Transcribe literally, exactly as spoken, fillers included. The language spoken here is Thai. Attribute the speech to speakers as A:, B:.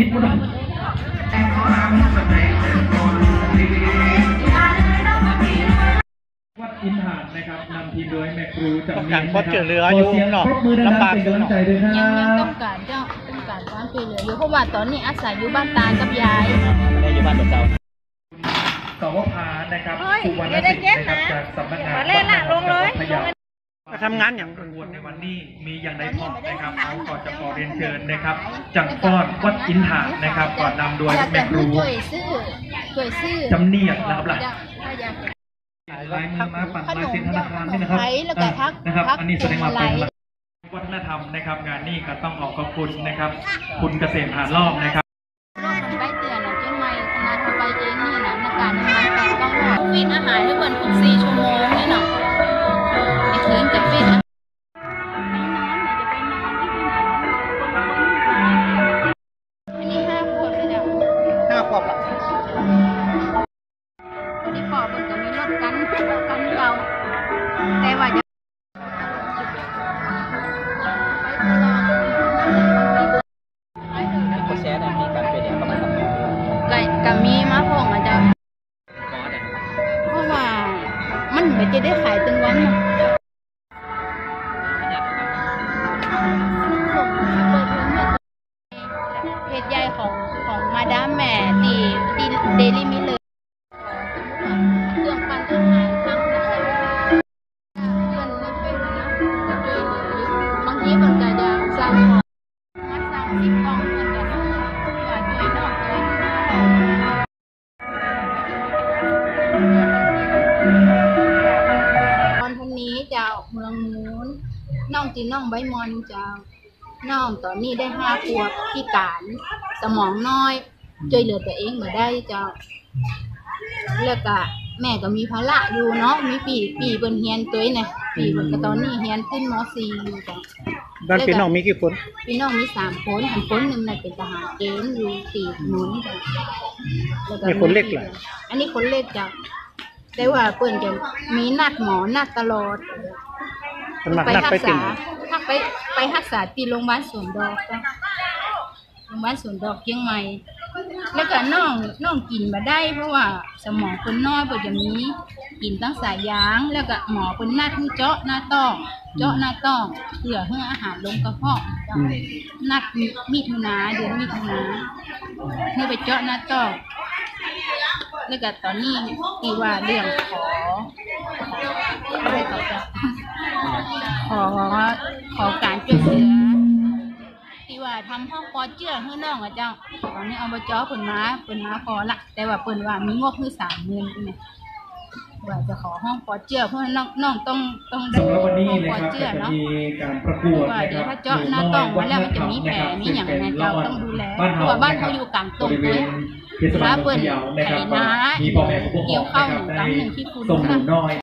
A: พูดวัดอินทานนะครับนำทีมโดยแม่ครูจำเนียงนะครับ
B: เรืออยู่เนาะลำบาก
A: เป็นกำลังใจด้วยครั
C: ยังยัง
A: บ
C: ต้องการเจ้าต้องการความช่วยเหลืออยู่เพราะว่าตอนนี้อาศัยอยู่บ้านตากับยาย
B: ไม่ได้อยู่บ้านเจ้า
A: สวพานะครับสุวรรณสิทธิ์นะครับจากสำนักงานวัฒนธรรมจังหวัดพะเยา
B: มาทำงานอย่าง
A: ประกวดในวันนี้มีอย่างไรพอนะครับเขาก่อนจะขอเรียนเชิญนะครับจังฟ้อนวัดอินทานนะครับก่อนนำโดยแม่ครู
C: ช่วยซื้อช่วยซื้อ
A: จำเนียงนะครับล่ะ
C: ถ้าอยาก
A: ลายมือมาปั่นลายเซ็นธนาคารนี่นะครับ
C: แล้วก็ทัก
A: นะครับ
C: ทัก
A: อันนี้แสดงว่าเป็น
C: อะไร
A: วัฒนธรรมนะครับงานนี้ก็ต้องขอขอบคุณนะครับ คุณเกษมผ่านรอบนะครับ
C: รอบมันใบเตือนนะเจ้าไม่นานเขาไปเองนี่นะในการทำงานแต่ต้องรอฟินอาหารให้เบิร์นทุกสี่ชั่วโมงนี่เนาะไอ้เถินจะฟินอันนี้ห้าขวบเลยเดี๋ยว
B: ห้าขวบละ
C: วันนี้ปอบมันจะมีรถกันกันเราแต่ว่าจะ
B: โคแชร์เนี่ยมีการเป็นอย่างประมาณนั้น
C: ไก่กับมีมะพร้าวอาจจะเพราะว่ามันไม่จะได้ขายตึงวันนะเพจใหญ่ของของมาดามแม่ตีตีเดลี่มิเลยเครื่องปั้นอาหารทั้งนะคะเงินไม่เป็นนะจะช่วยเหลืออยู่บางทีมันก็จะสร้างของมาสร้างสิ่งของเหมือนกันว่าช่วยนอกเลยตอนพรุ่งนี้จะเมืองนู้นน้องจีน้องใบมอนจะน้องตอนนี้ได้ห้าขวบพิการสมองน้อยช่วยเหลือตัวเองมาได้เจ้าแล้วก็แม่ก็มีภาระอยู่เนาะมีปีปีเปิ้นเฮียนตัวเนี่ยปีเปิ้นก็ตอนนี้เฮียนขึ้นม.สี่อยู่จ้ะ
B: ด้านพี่น้องมีกี่คน
C: พี่น้องมีสามคนอีกคนหนึ่งน่ะเป็นทหารเกณฑ์อยู่สี่หนุนจ้ะแล้วก็
B: มีคนเล็กเหรอ
C: อันนี้คนเล็กจ้ะแต่ว่าเปิ้นจะมีนัดหมอนัดตลอด
B: มันมัก
C: ไป
B: นัด
C: รั
B: ไป
C: ก
B: ติ่
C: ษาง ถ้าไปไปรักษาที่โรงพยาบาลสวนดอกจ้ะโรงพยาบาลสวนดอกเชียงใหม่แล้วก็น้องน้องกินมาได้เพราะว่าสมองคนน้อยเพิ่นจะมีกินตั้งสายยางแล้วก็หมอเพิ่นนัดให้เจาะหน้าต้องเจาะหน้าต้องเพื่อให้อาหารลงกระเพาะจ้ะนัดมิถุนาเดือนมิถุนาให้ไปเจาะหน้าต้องแล้วก็ตอนนี้ที่ว่าเรื่องขออะไรต่อจ้ะขอขอการช่วยเหลือที่ว่าทำห้องปอเจื้อให้น้องอ่ะเจ้าตอนนี้อบจเปิ่นมาเปิ่นมาขอละแต่ว่าเปิ่นว่ามีงบคือสามหมื่นใช่ไหมว่าจะขอห้องปอเจื้อเพราะน้องน้องต้องต้องได้
A: สำหรับวันนี้
C: ห้อง
A: นะ
C: ปอ
A: ครับ
C: เจื้อ
A: จะ
C: เนาะ
A: มีการประกวด
C: ว่า
A: นะ
C: เดี๋
A: ค
C: ยว
A: รับ
C: ถ้าเจาะหน้าต้องมาแล้วมันจะมีแผลมีอย่างไรเจ้าต้องดูแลเพราะว่าบ้านเขาอยู่กลางตรงเลยถ้าเปิ่นไถนาเกี่ยวข้าวหนึ่งกำหนึ่งที่คุณ
A: ส่งหนูน้อย